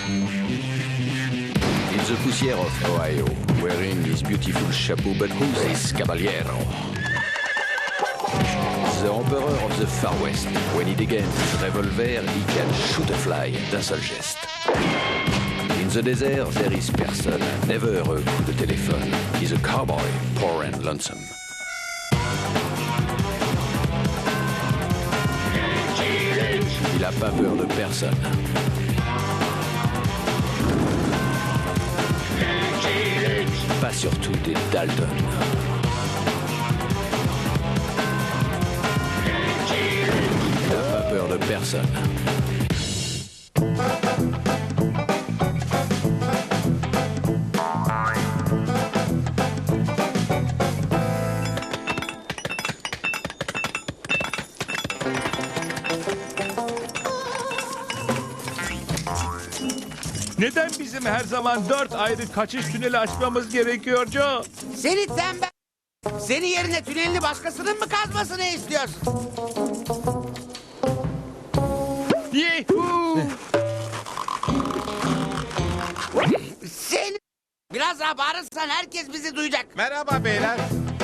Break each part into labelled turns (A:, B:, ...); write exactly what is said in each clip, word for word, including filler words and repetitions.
A: In the poussière of Ohio, wearing his beautiful chapeau, but who's this caballero? The emperor of the Far West. When he degains his revolver, he can shoot a fly d'un seul geste. In the desert, there is person, never a coup de téléphone. He's a cowboy, poor and lonesome. Il a pas peur de personne. Pas surtout des Dalton. Il n'a pas peur de personne.
B: Neden bizim her zaman dört ayrı kaçış tüneli açmamız gerekiyor Joe?
C: Seni tembel... Senin yerine tünelini başkasının mı kazmasını istiyorsun?
B: Yuhuu!
C: Seni... Biraz daha bağırırsan herkes bizi duyacak.
D: Merhaba beyler.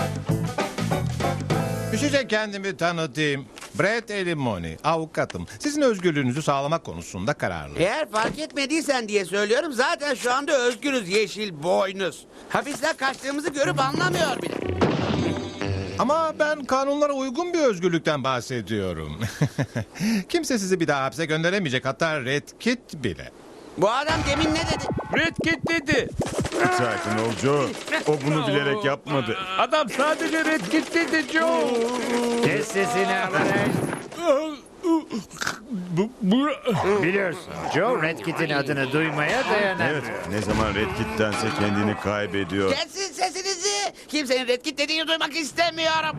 D: Düşecek kendimi tanıtayım. Brett Elimoni, avukatım. Sizin özgürlüğünüzü sağlamak konusunda kararlıyım.
C: Eğer fark etmediysen diye söylüyorum, zaten şu anda özgürüz yeşil boynuz. Hapisten kaçtığımızı görüp anlamıyor bile.
D: Ama ben kanunlara uygun bir özgürlükten bahsediyorum. Kimse sizi bir daha hapse gönderemeyecek, hatta Red Kit bile.
C: Bu adam demin ne dedi?
B: Red Kit dedi.
E: Sakin ol Joe. O bunu bilerek yapmadı.
B: Adam sadece Red Kit dedi Joe.
F: Kes sesini Alvarez. Biliyorsun Joe Red Kit'in adını duymaya dayanamıyor.
E: Evet, ne zaman Red Kit'tense kendini kaybediyor.
C: Kesin sesinizi. Kimsenin Red Kit dediğini duymak istemiyorum.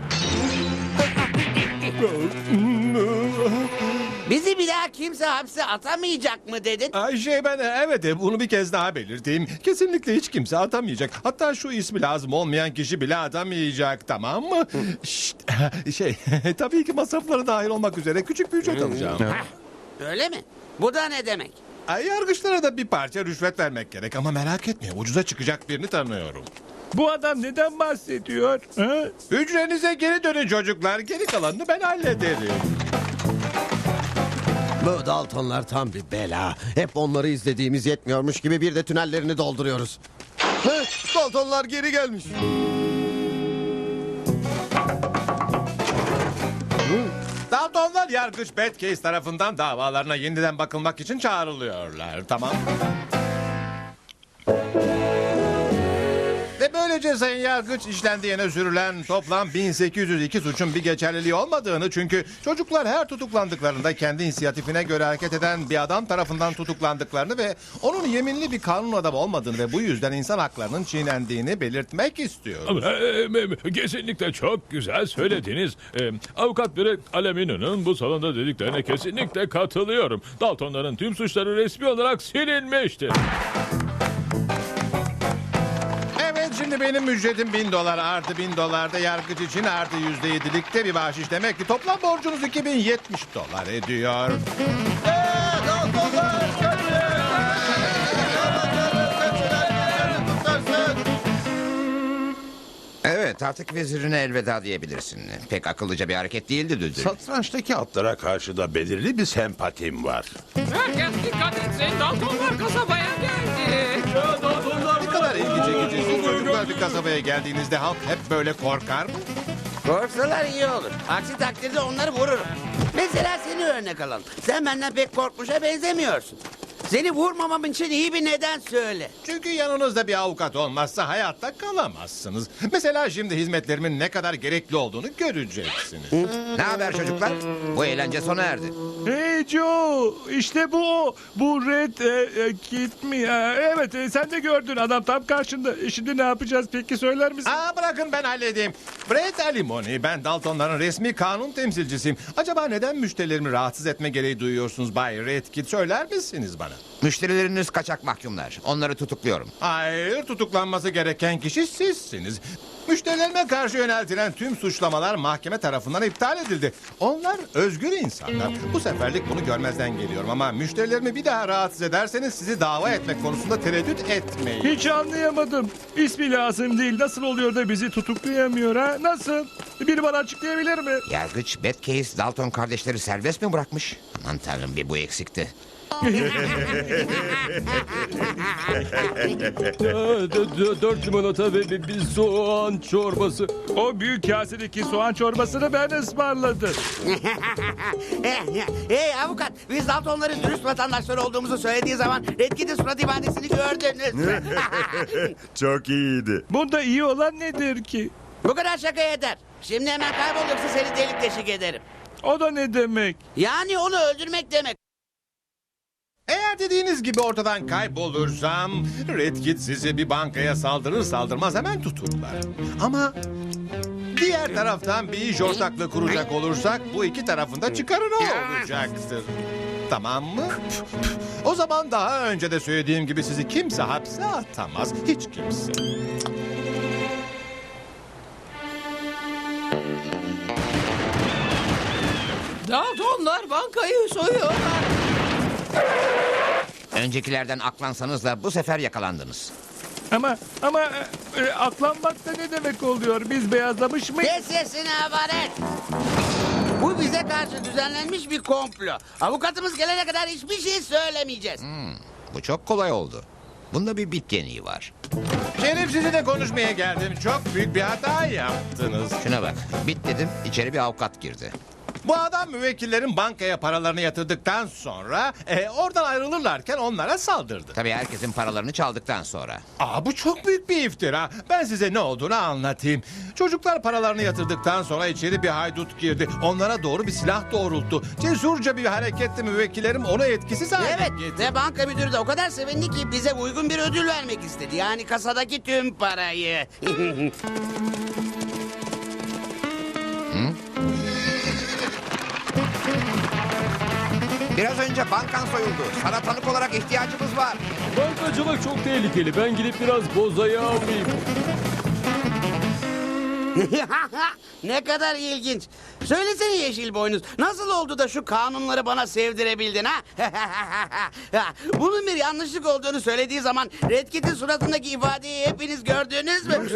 C: Bizi bir daha kimse hapse atamayacak mı dedin?
D: Ay şey ben evet e, bunu bir kez daha belirteyim. Kesinlikle hiç kimse atamayacak. Hatta şu ismi lazım olmayan kişi bile atamayacak, tamam mı? Şşt, şey tabii ki masrafları dahil olmak üzere küçük bir ücret alacağım.
C: Öyle mi? Bu da ne demek?
D: Ay, yargıçlara da bir parça rüşvet vermek gerek ama merak etme, ucuza çıkacak birini tanıyorum.
B: Bu adam neden bahsediyor? Ha?
D: Hücrenize geri dönün çocuklar. Geri kalanını ben hallederim.
G: Bu Daltonlar tam bir bela. Hep onları izlediğimiz yetmiyormuş gibi bir de tünellerini dolduruyoruz. Heh, Daltonlar geri gelmiş.
D: Daltonlar yargıç Batcase tarafından davalarına yeniden bakılmak için çağrılıyorlar. Tamam. Ve böylece Sayın Yargıç işlendiğine sürülen toplam bin sekiz yüz iki suçun bir geçerliliği olmadığını, çünkü çocuklar her tutuklandıklarında kendi inisiyatifine göre hareket eden bir adam tarafından tutuklandıklarını ve onun yeminli bir kanun adamı olmadığını ve bu yüzden insan haklarının çiğnendiğini belirtmek istiyor.
B: Ee, Kesinlikle çok güzel söylediniz. Ee, Avukat Brett Alemino'nun bu salonda dediklerine kesinlikle katılıyorum. Daltonların tüm suçları resmi olarak silinmiştir.
D: Şimdi benim ücretim bin dolar, artı bin dolar da yargıç için artı yüzde yedilikte bir bahşiş, demek ki toplam borcunuz iki bin yetmiş dolar ediyor.
H: Evet, artık vezirine elveda diyebilirsin. Pek akıllıca bir hareket değildi Düldül.
I: Satrançtaki atlara karşı da belirli bir sempatim var.
J: Herkes dikkat etsin. Daltonlar kasabaya geldi.
D: Ne kadar ilgi çekicisin. Çocuklar bir kasabaya geldiğinizde halk hep böyle korkar mı?
C: Korksalar iyi olur. Aksi takdirde onları vururum. Mesela seni örnek alalım. Sen benden pek korkmuşa benzemiyorsun. Seni vurmamam için iyi bir neden söyle.
D: Çünkü yanınızda bir avukat olmazsa hayatta kalamazsınız. Mesela şimdi hizmetlerimin ne kadar gerekli olduğunu göreceksiniz.
H: Ne haber çocuklar? Bu eğlence sona erdi.
B: Hey Joe, işte bu o. Bu Red e, e, Kit mi ya? Evet, e, sen de gördün, adam tam karşında. E, Şimdi ne yapacağız peki, söyler misin?
D: Aa, bırakın ben halledeyim. Brett Alimony, ben Daltonların resmi kanun temsilcisiyim. Acaba neden müşterilerimi rahatsız etme gereği duyuyorsunuz Bay Red Kit, söyler misiniz bana?
H: Müşterileriniz kaçak mahkumlar. Onları tutukluyorum.
D: Hayır, tutuklanması gereken kişi sizsiniz. Müşterilerime karşı yöneltilen tüm suçlamalar mahkeme tarafından iptal edildi. Onlar özgür insanlar. Bu seferlik bunu görmezden geliyorum ama müşterilerimi bir daha rahatsız ederseniz sizi dava etmek konusunda tereddüt etmeyin.
E: Hiç anlayamadım. İsmi lazım değil. Nasıl oluyor da bizi tutuklayamıyor ha? Nasıl? Biri bana açıklayabilir mi?
H: Yargıç Batcave Dalton kardeşleri serbest mi bırakmış? Aman tanrım, bir bu eksikti.
B: Aa, d- d- Dört limonata ve bir, bir soğan çorbası.
E: O büyük kasedeki soğan çorbasını ben ısmarladım.
C: Hey avukat, biz Daltonların dürüst vatandaşları olduğumuzu söylediği zaman Redkit'in surat ifadesini gördünüz mü?
E: Çok iyiydi. Bunda iyi olan nedir ki?
C: Bu kadar şaka yeter. Şimdi hemen kaybol yoksa seni delik deşik ederim.
E: O da ne demek?
C: Yani onu öldürmek demek.
D: Eğer dediğiniz gibi ortadan kaybolursam Redkit sizi bir bankaya saldırır saldırmaz hemen tuturlar. Ama diğer taraftan bir iş ortaklığı kuracak olursak bu iki tarafında çıkarına olacaktır. Tamam mı? O zaman daha önce de söylediğim gibi sizi kimse hapse atamaz. Hiç kimse.
J: Daltonlar bankayı soyuyorlar.
H: Öncekilerden aklansanız da bu sefer yakalandınız.
E: Ama ama e, e, aklanmak da ne demek oluyor? Biz beyazlamış mıyız?
C: Kes sesini abaret. Bu bize karşı düzenlenmiş bir komplo. Avukatımız gelene kadar hiçbir şey söylemeyeceğiz.
H: Bu çok kolay oldu. Bunda bir bit geniği var.
D: Şerif sizinle konuşmaya geldim. Çok büyük bir hata yaptınız.
H: Şuna bak, bit dedim, içeri bir avukat girdi.
D: Bu adam müvekkillerin bankaya paralarını yatırdıktan sonra e, oradan ayrılırlarken onlara saldırdı.
H: Tabii herkesin paralarını çaldıktan sonra.
D: Aa, bu çok büyük bir iftira. Ben size ne olduğunu anlatayım. Çocuklar paralarını yatırdıktan sonra içeri bir haydut girdi. Onlara doğru bir silah doğrulttu. Cesurca bir hareketle müvekkillerim onu etkisiz hale
C: Evet
D: getirdi.
C: ve banka müdürü de o kadar sevindi ki bize uygun bir ödül vermek istedi. Yani kasadaki tüm parayı.
H: Biraz önce bankan soyuldu. Sana tanık olarak ihtiyacımız var.
B: Bankacılık çok tehlikeli. Ben gidip biraz bozayı alayım.
C: Ne kadar ilginç. Söylesene Yeşil Boynuz. Nasıl oldu da şu kanunları bana sevdirebildin ha? Bunun bir yanlışlık olduğunu söylediği zaman Redkit'in suratındaki ifadeyi hepiniz gördünüz mü?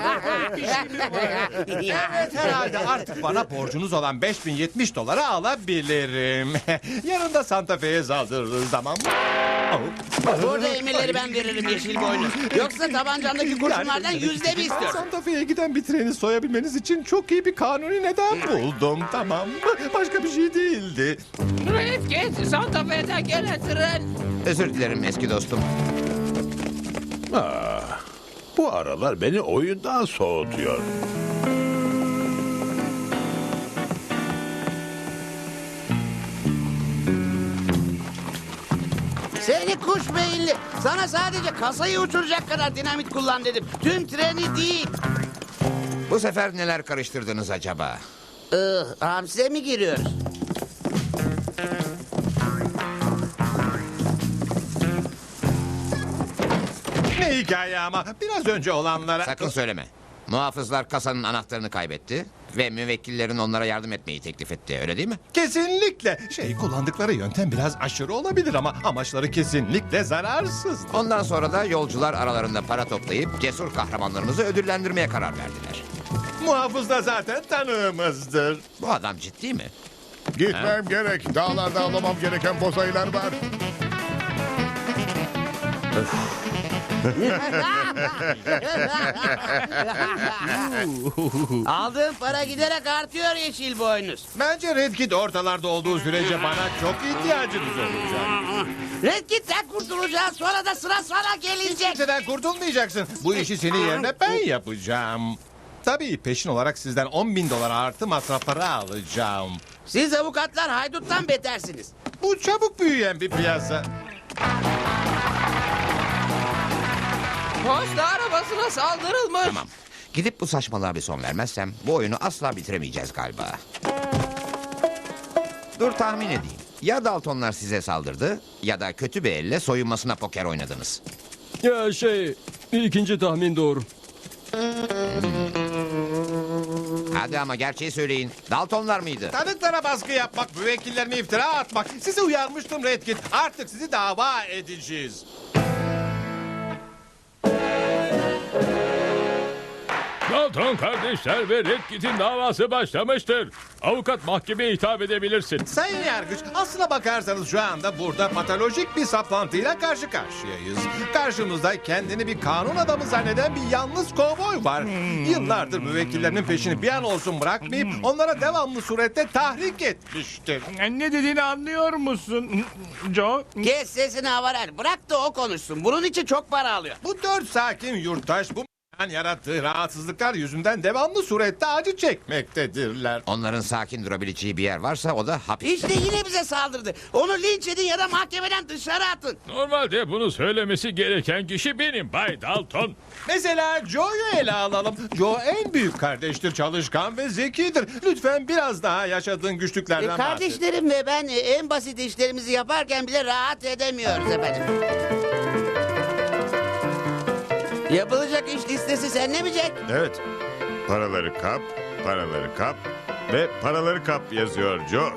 D: Evet, herhalde artık bana borcunuz olan beş bin yetmiş dolara alabilirim. Yarın da Santa Fe'ye saldırırız, tamam mı?
C: Burada emirleri ben veririm Yeşil Boynuz. Yoksa tabancamdaki kurşunlardan yüzde bir istiyorum.
D: Santa Fe'ye giden bir treni soyabilmeniz için çok iyi bir kanuni neden buldum, tamam mı? Başka bir şey değildi.
J: Redkit, Santa Fe'den gelen tren.
H: Özür dilerim eski dostum.
I: Ah, bu aralar beni oyundan soğutuyor.
C: Seni kuş beyinli. Sana sadece kasayı uçuracak kadar dinamit kullan dedim. Tüm treni değil.
H: Bu sefer neler karıştırdınız acaba?
C: Ih, hapse mi giriyoruz?
D: Ne hikaye ama biraz önce olanlara...
H: Sakın söyleme. Muhafızlar kasanın anahtarını kaybetti ve müvekkillerin onlara yardım etmeyi teklif etti. Öyle değil mi?
D: Kesinlikle. Şey, kullandıkları yöntem biraz aşırı olabilir ama amaçları kesinlikle zararsız.
H: Ondan sonra da yolcular aralarında para toplayıp cesur kahramanlarımızı ödüllendirmeye karar verdiler.
D: Muhafız da zaten tanığımızdır.
H: Bu adam ciddi mi?
K: Gitmem gerek. Dağlarda avlamam gereken bozayılar var.
C: Aldığın para giderek artıyor Yeşil Boynuz.
D: Bence Redkit ortalarda olduğu sürece bana çok ihtiyacınız olacak.
C: Redkit'ten kurtulacağız, sonra da sıra sana gelecek.
D: Kimseden kurtulmayacaksın. Bu işi senin yerine ben yapacağım. Tabii peşin olarak sizden on bin dolar artı masrafları alacağım.
C: Siz avukatlar hayduttan betersiniz.
D: Bu çabuk büyüyen bir piyasa.
J: Posta arabasına saldırılmış.
H: Tamam. Gidip bu saçmalığa bir son vermezsem bu oyunu asla bitiremeyeceğiz galiba. Dur tahmin edeyim. Ya Daltonlar size saldırdı ya da kötü bir elle soyunmasına poker oynadınız.
B: Ya şey, ikinci tahmin doğru.
H: Hmm. Hadi ama gerçeği söyleyin. Daltonlar mıydı?
D: Tanıklara baskı yapmak, müvekkillerine iftira atmak. Sizi uyarmıştım Red Kit. Artık sizi dava edeceğiz.
B: Dalton kardeşler ve Red Kit'in davası başlamıştır. Avukat mahkemeye hitap edebilirsin.
D: Sayın Yargıç, aslına bakarsanız şu anda burada patolojik bir saplantıyla karşı karşıyayız. Karşımızda kendini bir kanun adamı zanneden bir yalnız kovboy var. Yıllardır müvekkillerinin peşini bir an olsun bırakmayıp onlara devamlı surette tahrik etmiştir.
E: Ne dediğini anlıyor musun Joe?
C: Kes sesini Havarer. Bırak da o konuşsun. Bunun için çok para alıyor.
D: Bu dört sakin yurttaş bu yarattığı rahatsızlıklar yüzünden devamlı surette acı çekmektedirler.
H: Onların sakin durabileceği bir yer varsa o da hapis.
C: İşte yine bize saldırdı. Onu linç edin ya da mahkemeden dışarı atın.
B: Normalde bunu söylemesi gereken kişi benim Bay Dalton.
D: Mesela Joe'yu ele alalım. Joe en büyük kardeştir, çalışkan ve zekidir. Lütfen biraz daha yaşadığın
C: E,
D: güçlüklerden bahset.
C: kardeşlerim ve ben e, en basit işlerimizi yaparken bile rahat edemiyoruz efendim. Yapılacak iş listesi sende mi Jack?
K: Evet. Paraları kap, paraları kap ve paraları kap yazıyor Joe.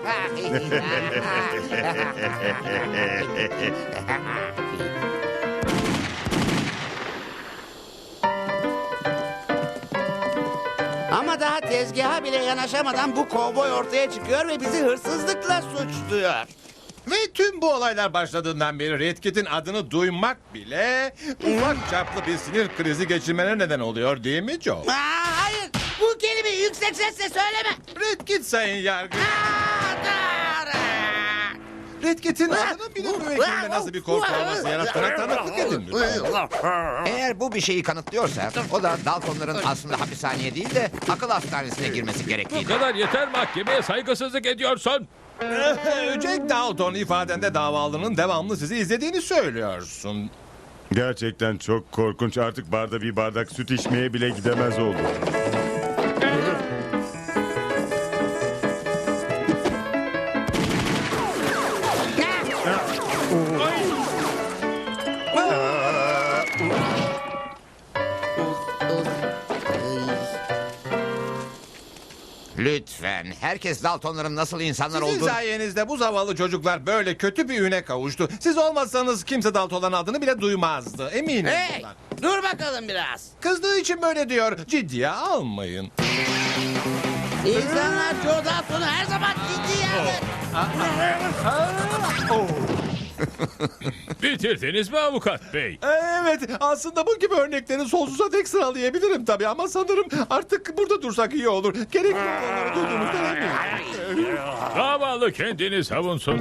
C: Ama daha tezgaha bile yanaşamadan bu kovboy ortaya çıkıyor ve bizi hırsızlıkla suçluyor.
D: Ve tüm bu olaylar başladığından beri Red Kit'in adını duymak bile ufak çaplı bir sinir krizi geçirmene neden oluyor değil mi Joe?
C: Aa, hayır, bu kelimeyi yüksek sesle söyleme.
D: Red Kit sayın yargıç.
C: Aa, da-
D: Red Kit'in adının bile müvekkilinde nasıl bir korku olması yarattığına tanıklık edin lütfen.
H: Eğer bu bir şeyi kanıtlıyorsa o da Daltonların aslında hapishaneye değil de akıl hastanesine girmesi
B: Bu
H: gerektiğini.
B: kadar yeter, mahkemeye saygısızlık ediyorsun.
D: Jack Dalton ifadende davalının devamlı sizi izlediğini söylüyorsun.
K: Gerçekten çok korkunç. Artık barda bir bardak süt içmeye bile gidemez oldu.
H: Lütfen. Herkes Daltonların nasıl insanlar
D: Sizin
H: olduğunu...
D: sayenizde bu zavallı çocuklar böyle kötü bir üne kavuştu. Siz olmasanız kimse Dalton'ların adını bile duymazdı. Eminim
C: Hey,
D: bundan.
C: dur bakalım biraz.
D: Kızdığı için böyle diyor. Ciddiye almayın.
C: İnsanlar Joe Dalton'u her zaman ciddiye alır.
B: Bitirdiniz mi avukat bey?
D: Evet, aslında bu gibi örnekleri sonsuza dek sıralayabilirim tabii ama sanırım artık burada dursak iyi olur. Gerekli olanları duyduğumuzdan eminim.
B: Davalı kendini savunsun.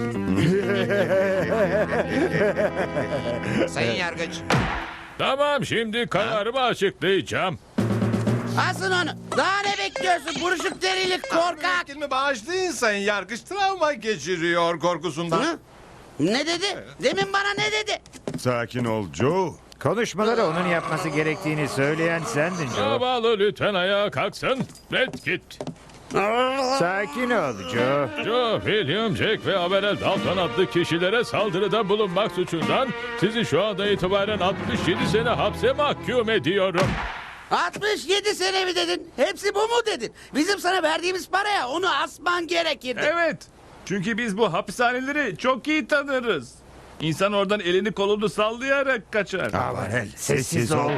H: Sayın Yargıç.
B: Tamam, şimdi kararımı açıklayacağım.
C: Asın onu. Daha ne bekliyorsun buruşuk derili korkak?
D: Müvekkilimi bağışlayın sayın yargıç. Travma geçiriyor korkusundan.
C: Hı? Ne dedi? Demin bana ne dedi?
K: Sakin ol Joe.
F: Konuşmaları onun yapması gerektiğini söyleyen sendin Joe.
B: Davalı lütfen ayağa kalksın. Red Kit.
F: Sakin ol Joe.
B: Joe, William, Jack ve Averell Dalton adlı kişilere saldırıda bulunmak suçundan sizi şu anda itibaren altmış yedi sene hapse mahkum ediyorum.
C: altmış yedi sene mi dedin? Hepsi bu mu dedin? Bizim sana verdiğimiz paraya onu asman gerekirdi.
E: Evet. Çünkü biz bu hapishaneleri çok iyi tanırız. İnsan oradan elini kolunu sallayarak kaçar.
F: Avarel, sessiz ol.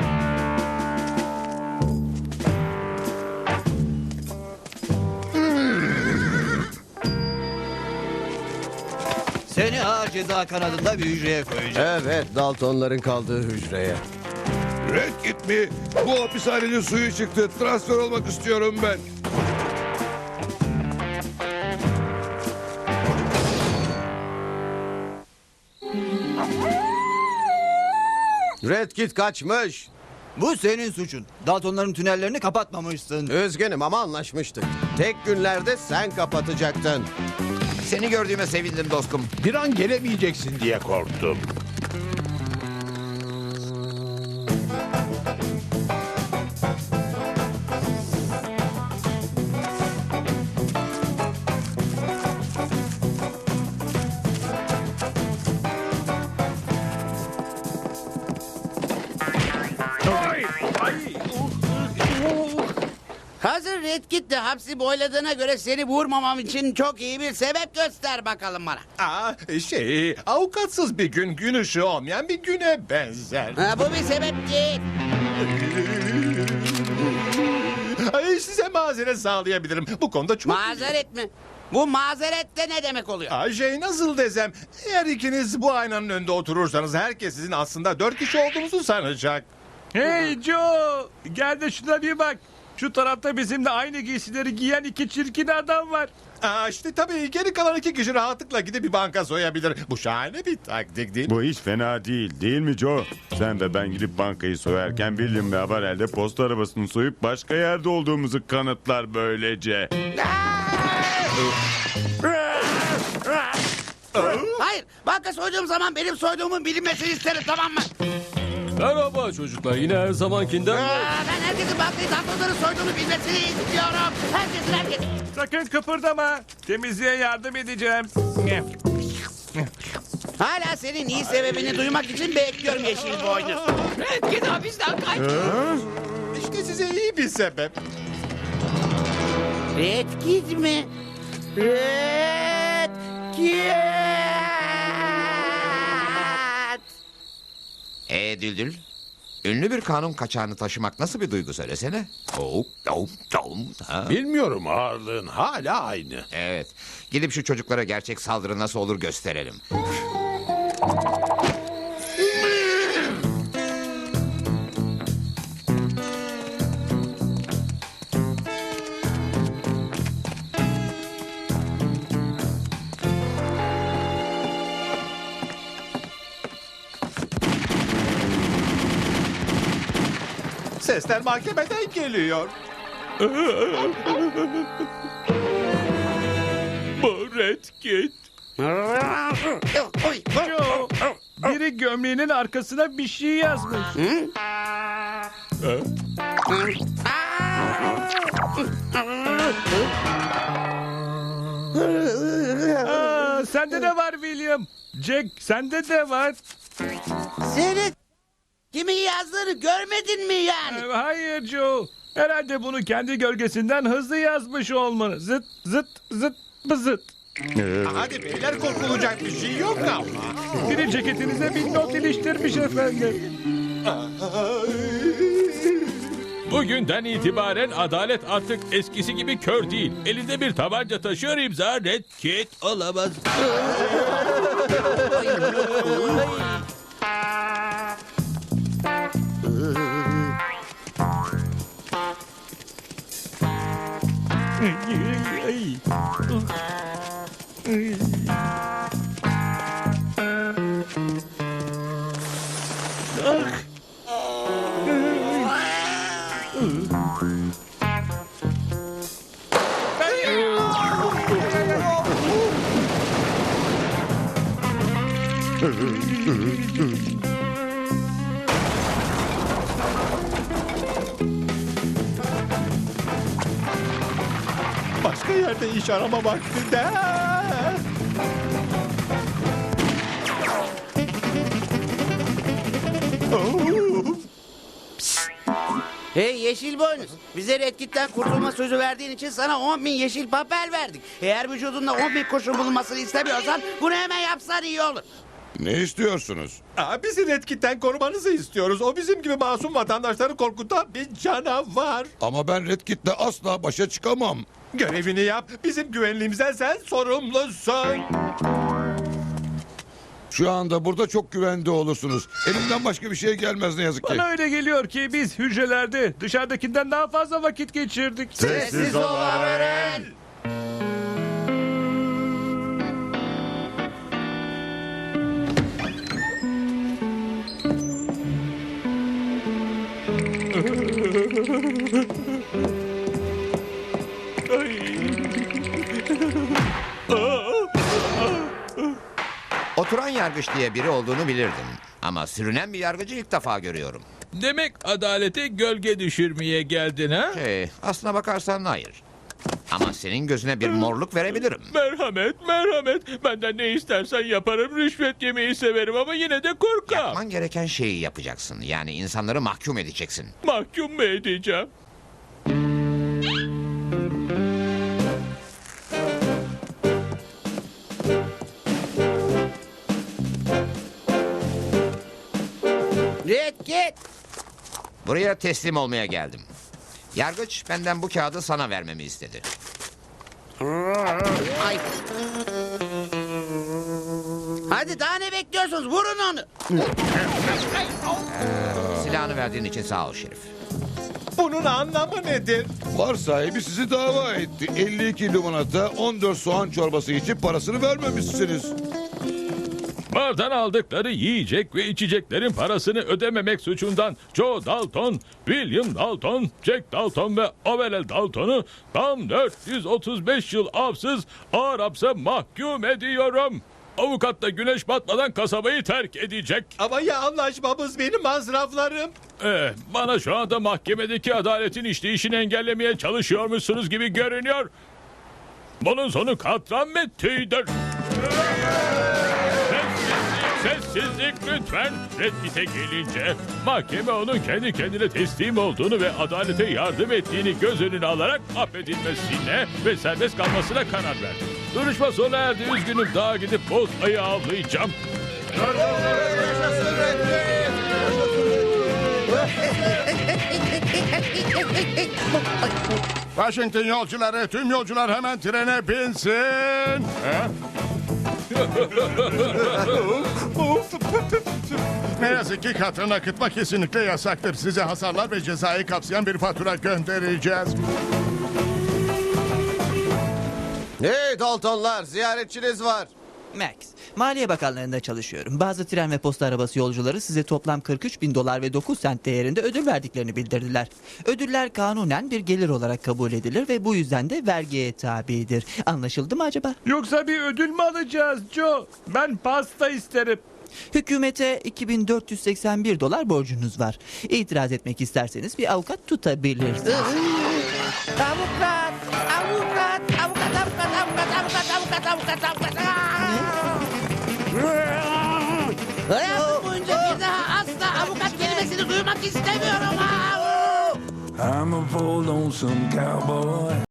L: Seni ağır ceza kanadında bir hücreye koyacağım.
G: Evet, Daltonların kaldığı hücreye.
M: Red Kit mi? Bu hapishanenin suyu çıktı. Transfer olmak istiyorum ben.
G: Red Kit kaçmış.
L: Bu senin suçun. Daltonların tünellerini kapatmamışsın.
G: Üzgünüm ama anlaşmıştık. Tek günlerde sen kapatacaktın.
H: Seni gördüğüme sevindim dostum.
I: Bir an gelemeyeceksin diye korktum.
C: Hazır Sen Red Kit'le hapsi boyladığına göre seni vurmamam için çok iyi bir sebep göster bakalım bana.
D: Aa, şey, avukatsız bir gün gün ışığı olmayan bir güne benzer.
C: Ha, bu bir sebep değil.
D: Ay, size mazeret sağlayabilirim. Bu konuda çok...
C: Mazeret mi? Bu mazeret de ne demek oluyor?
D: Aa, şey nasıl desem, eğer ikiniz bu aynanın önünde oturursanız herkes sizin aslında dört kişi olduğunuzu sanacak.
E: Hey Joe! Gel de şuna bir bak. Şu tarafta bizimle aynı giysileri giyen iki çirkin adam var.
D: Aa, işte tabii geri kalan iki kişi rahatlıkla gidip bir banka soyabilir. Bu şahane bir taktik değil mi?
K: Bu hiç fena değil, değil mi Joe? Sen ve ben gidip bankayı soyarken William ve Avar elde posta arabasını soyup başka yerde olduğumuzu kanıtlar böylece.
C: Hayır, banka soyduğum zaman benim soyduğumun bilinmesini isterim, tamam mı?
B: Merhaba çocuklar, yine her zamankinden.
C: Aa, ben herkesin bankayı tatlıları soyduğunu bilmesini istiyorum. Herkesin, herkesin.
E: Sakın kıpırdama. Temizliğe yardım edeceğim.
C: Hala senin iyi sebebini duymak için bekliyorum yeşil boynuz.
J: Red Kit hapisten kaçtı.
D: İşte size iyi bir sebep.
C: Red Kit mi? Red Kit!
H: Ee Düldül, ünlü bir kanun kaçağını taşımak nasıl bir duygu söylesene. Oh, oh, oh, ha.
I: Bilmiyorum, ağırlığın hala aynı.
H: Evet, gidip şu çocuklara gerçek saldırı nasıl olur gösterelim.
D: Sesler mahkemeden geliyor.
B: Bu Red Kit.
E: Joe, biri gömleğinin arkasına bir şey yazmış. Aa, sende de var William. Jack, sende de var.
C: Senin kimin yazdığını görmedin mi yani?
E: Ee, Hayır Joe. Herhalde bunu kendi gölgesinden hızlı yazmış olmalı. Zıt zıt zıt bızıt.
D: Hadi beyler, korkulacak bir şey yok ama.
E: Biri ceketinize bir not iliştirmiş efendim.
B: Bugünden itibaren adalet artık eskisi gibi kör değil. Elinde bir tabanca taşıyor, imza Red Kit olamaz.
D: Başka yerde iş arama vaktinde.
C: Hey yeşil boynuz, bize Red Kit'ten kurtulma sözü verdiğin için sana on bin yeşil papel verdik. Eğer vücudunda on bin kurşun bulunmasını istemiyorsan bunu hemen yapsan iyi olur.
M: Ne istiyorsunuz?
D: Aa, bizi Red Kit'ten korumanızı istiyoruz. O bizim gibi masum vatandaşları korkutan bir canavar.
M: Ama ben Red Kit'le asla başa çıkamam.
D: Görevini yap. Bizim güvenliğimizden sen sorumlusun.
M: Şu anda burada çok güvende olursunuz. Elimden başka bir şey gelmez ne yazık ki.
E: Bana öyle geliyor ki biz hücrelerde dışarıdakinden daha fazla vakit geçirdik.
C: Sessiz ol Averell.
H: Oturan yargıç diye biri olduğunu bilirdim. Ama sürünen bir yargıcı ilk defa görüyorum.
B: Demek adalete gölge düşürmeye geldin ha?
H: Şey, aslına bakarsan hayır. Ama senin gözüne bir morluk verebilirim.
B: Merhamet, merhamet. Benden ne istersen yaparım. Rüşvet yemeyi severim ama yine de korkam.
H: Yapman gereken şeyi yapacaksın. Yani insanları mahkum edeceksin.
B: Mahkum mu edeceğim?
C: Red Kit.
H: Buraya teslim olmaya geldim. Yargıç benden bu kağıdı sana vermemi istedi.
C: Ay. Hadi daha ne bekliyorsunuz? Vurun onu.
H: Silahını verdiğin için sağ ol Şerif.
D: Bunun anlamı nedir?
M: Var sahibi sizi dava etti. elli iki limonata, on dört soğan çorbası için parasını vermemişsiniz.
B: Bardan aldıkları yiyecek ve içeceklerin parasını ödememek suçundan Joe Dalton, William Dalton, Jack Dalton ve Overell Dalton'u tam dört yüz otuz beş yıl hapsız ağır hapse mahkum ediyorum. Avukat da güneş batmadan kasabayı terk edecek.
D: Ama ya anlaşmamız benim masraflarım.
B: Eh, bana şu anda mahkemedeki adaletin işleyişini engellemeye çalışıyormuşsunuz gibi görünüyor. Bunun sonu katran metnidir. Sessizlik, sessizlik lütfen. Red Kit'e gelince mahkeme onun kendi kendine teslim olduğunu ve adalete yardım ettiğini göz önüne alarak affedilmesine ve serbest kalmasına karar verdi. Duruşma sona erdi. Üzgünüm, daha gidip boz ayı avlayacağım.
N: Washington yolcuları, tüm yolcular hemen trene binsin. Ha? Ne yazık ki katran akıtma kesinlikle yasaktır. Size hasarlar ve cezayı kapsayan bir fatura göndereceğiz.
G: Hey Daltonlar, ziyaretçiniz var.
L: Max, Maliye Bakanlığı'nda çalışıyorum. Bazı tren ve posta arabası yolcuları size toplam kırk üç bin dolar ve dokuz sent değerinde ödül verdiklerini bildirdiler. Ödüller kanunen bir gelir olarak kabul edilir ve bu yüzden de vergiye tabidir. Anlaşıldı mı acaba?
E: Yoksa bir ödül mü alacağız Joe? Ben pasta isterim.
L: Hükümete iki bin dört yüz seksen bir dolar borcunuz var. İtiraz etmek isterseniz bir avukat tutabilirsiniz.
C: Avukat, avukat, avukat, avukat, avukat, avukat, avukat, avukat, avukat. Hayatım boyunca bir daha asla avukat kelimesini duymak istemiyorum.
O: I'm a full lonesome cowboy.